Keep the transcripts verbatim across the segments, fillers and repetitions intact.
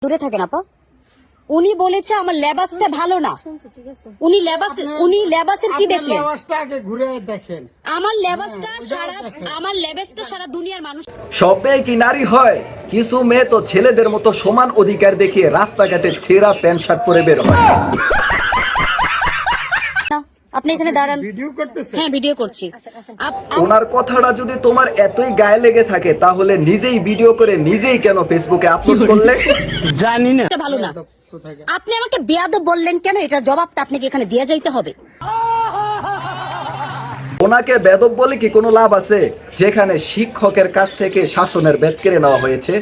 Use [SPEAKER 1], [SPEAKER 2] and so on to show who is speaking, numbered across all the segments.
[SPEAKER 1] দূরে থাকেন আপা। উনি বলেছে আমার লেবাসটা ভালো না। উনি লেবাস উনি লেবাসের কি দেখলেন?
[SPEAKER 2] লেবাসটা আগে ঘুরে দেখেন।
[SPEAKER 1] আমার লেবাসটা সারা আমার লেবাসটা সারা দুনিয়ার মানুষ।
[SPEAKER 3] সব মেয়ে কি নারী হয়? কিছু মেয়ে তো ছেলেদের মতো সমান অধিকার দেখিয়ে রাস্তাঘাটে ছেঁড়া প্যান্ট শার্ট পরে বের হয়।
[SPEAKER 1] আপনি এখানে দাঁড়ান।
[SPEAKER 2] ভিডিও করতেছেন?
[SPEAKER 1] হ্যাঁ, ভিডিও করছি।
[SPEAKER 3] ওনার কথাটা যদি তোমার এতই গায়ে লেগে থাকে তাহলে নিজেই ভিডিও করে নিজেই কেন ফেসবুকে আপলোড করলে?
[SPEAKER 4] জানি না।
[SPEAKER 1] এটা ভালো না। আপনি আমাকে বেয়াদব বললেন কেন? এটার জবাবটা আপনাকে এখানে দিয়ে যাইতে হবে।
[SPEAKER 3] ওনাকে বেদব বলে কি কোনো লাভ আছে, যেখানে শিক্ষকের কাছ থেকে শাসনের বেদ কেড়ে নেওয়া হয়েছে?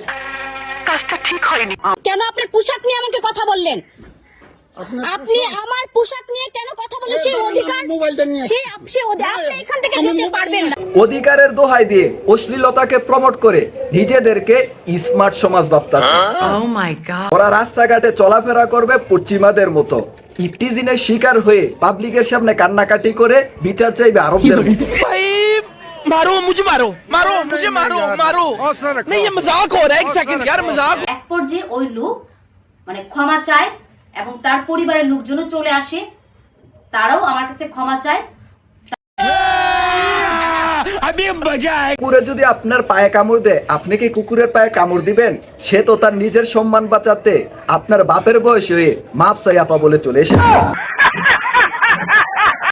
[SPEAKER 1] কেন আপনার পোশাক নিয়ে আমাকে কথা বললেন? আপনি আমার পোশাক নিয়ে কেন কথা বলেন? সেই অধিকার
[SPEAKER 2] মোবাইলটা নিয়ে
[SPEAKER 1] সেই আপনি আপনি এখান থেকে যেতে পারবেন না।
[SPEAKER 3] অধিকারের দোহাই দিয়ে অশ্লীলতাকে প্রমোট করে নিজেদেরকে স্মার্ট সমাজ ভাবতাছে।
[SPEAKER 5] Oh my god.
[SPEAKER 3] ওরা রাস্তাঘাটে চলাফেরা করবে পশ্চিমাদের মতো, ইফটিজিনের শিকার হয়ে পাবলিকের সামনে কান্নাকাটি করে বিচার চাইবে আরবদের মতো।
[SPEAKER 6] मारो मुझे मारो मारो मुझे मारो मारो नहीं ये मजाक हो रहा है एक सेकंड यार मजाक।
[SPEAKER 7] এক পর্যায়ে ওই লোক মানে ক্ষমা চায় এবং তার পরিবারের লোকজনও চলে আসে, তারাও আমার কাছে ক্ষমা চায়।
[SPEAKER 3] কুকুরে যদি আপনার পায়ে কামড় দেয়, আপনি কি কুকুরের পায়ে কামড় দিবেন? সে তো তার নিজের সম্মান বাঁচাতে আপনার বাপের বয়স হয়ে মাপ চাই আপা বলে চলে এসেছে।